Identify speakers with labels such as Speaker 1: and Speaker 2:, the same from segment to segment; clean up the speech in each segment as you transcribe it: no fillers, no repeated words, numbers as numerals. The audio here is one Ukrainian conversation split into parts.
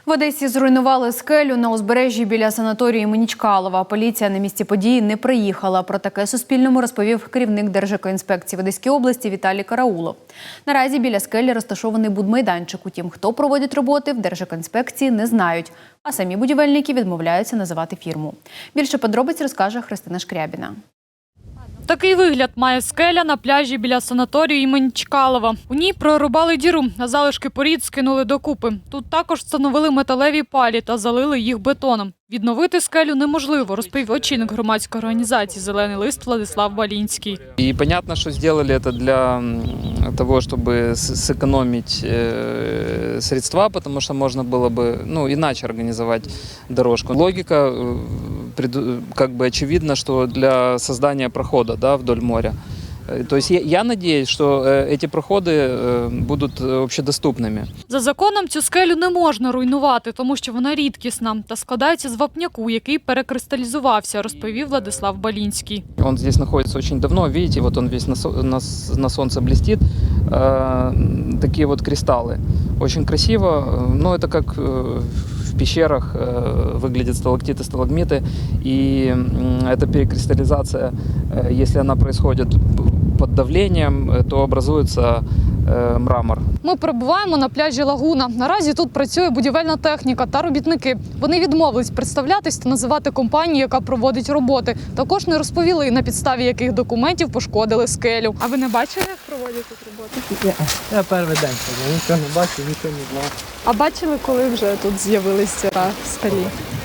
Speaker 1: В Одесі зруйнували скелю на узбережжі біля санаторію імені Чкалова. Поліція на місці події не приїхала. Про таке Суспільному розповів керівник Держекоінспекції в Одеській області Віталій Караулов. Наразі біля скелі розташований будмайданчик. Утім, хто проводить роботи, в Держекоінспекції не знають. А самі будівельники відмовляються називати фірму. Більше подробиць розкаже Христина Шкрябіна.
Speaker 2: Такий вигляд має скеля на пляжі біля санаторію імені Чкалова. У ній прорубали діру, а залишки порід скинули докупи. Тут також встановили металеві палі та залили їх бетоном. Відновити скелю неможливо, розповів очільник громадської організації «Зелений лист» Владислав Балінський.
Speaker 3: И понятно, что сделали это для того, чтобы сэкономить средства, потому что можно было бы иначе организовать дорожку. Логика как бы очевидна, что для создания прохода вдоль моря. То есть я надеюсь, что эти проходи будуть общедоступними.
Speaker 2: За законом цю скелю не можна руйнувати, тому що вона рідкісна та складається з вапняку, який перекристалізувався, розповів Владислав Балінський.
Speaker 3: Он здесь находится очень давно, видите, вот он весь на солнце блестит. Такие вот кристаллы. Очень красиво, но это как в пещерах выглядят сталактиты, сталагмиты. И эта перекристаллизация, если она происходит под давлением, то образуется мрамор.
Speaker 2: Ми перебуваємо на пляжі Лагуна. Наразі тут працює будівельна техніка та робітники. Вони відмовились представлятись та називати компанію, яка проводить роботи. Також не розповіли, на підставі яких документів пошкодили скелю. А ви не бачили, як проводять тут роботи?
Speaker 4: Я перший день сьогодні, нічого не бачив, нічого не знав.
Speaker 2: А бачили, коли вже тут з'явилися в скалі?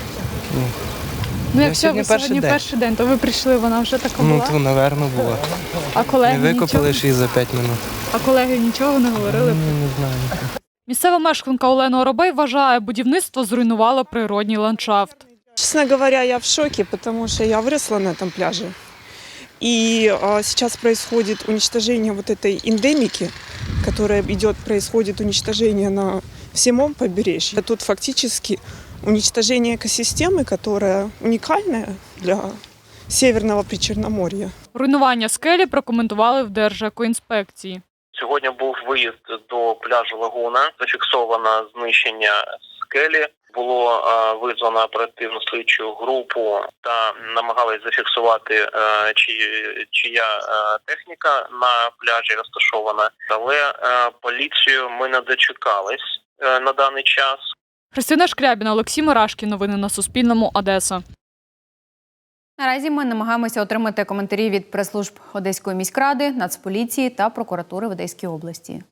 Speaker 2: Якщо ви сьогодні перший день, то ви прийшли, вона вже така була?
Speaker 4: То, напевно, була.
Speaker 2: А колеги
Speaker 4: Не викопали
Speaker 2: нічого?
Speaker 4: ще й за 5 минут.
Speaker 2: А колеги нічого не говорили?
Speaker 4: Не знаю.
Speaker 2: Місцева мешканка Олена Оробей вважає, будівництво зруйнувало природній ландшафт.
Speaker 5: Честно говоря, я в шоке, потому что я выросла на этом пляже. И сейчас происходит уничтожение вот этой эндемики, происходит уничтожение на всем побережье. Тут фактически уничтожение экосистемы, которая уникальная для Северного Причорномор'я.
Speaker 2: Руйнування скелі прокоментували в Держекоінспекції.
Speaker 6: Сьогодні був виїзд до пляжу Лагуна, зафіксовано знищення скелі. Було визвано оперативну слідчу групу та намагались зафіксувати, чия техніка на пляжі розташована. Але поліцію ми не дочекались на даний час.
Speaker 2: Христина Шкрябіна, Олексій Мурашкін. Новини на Суспільному. Одеса.
Speaker 1: Наразі ми намагаємося отримати коментарі від прес-служб Одеської міськради, Нацполіції та прокуратури в Одеській області.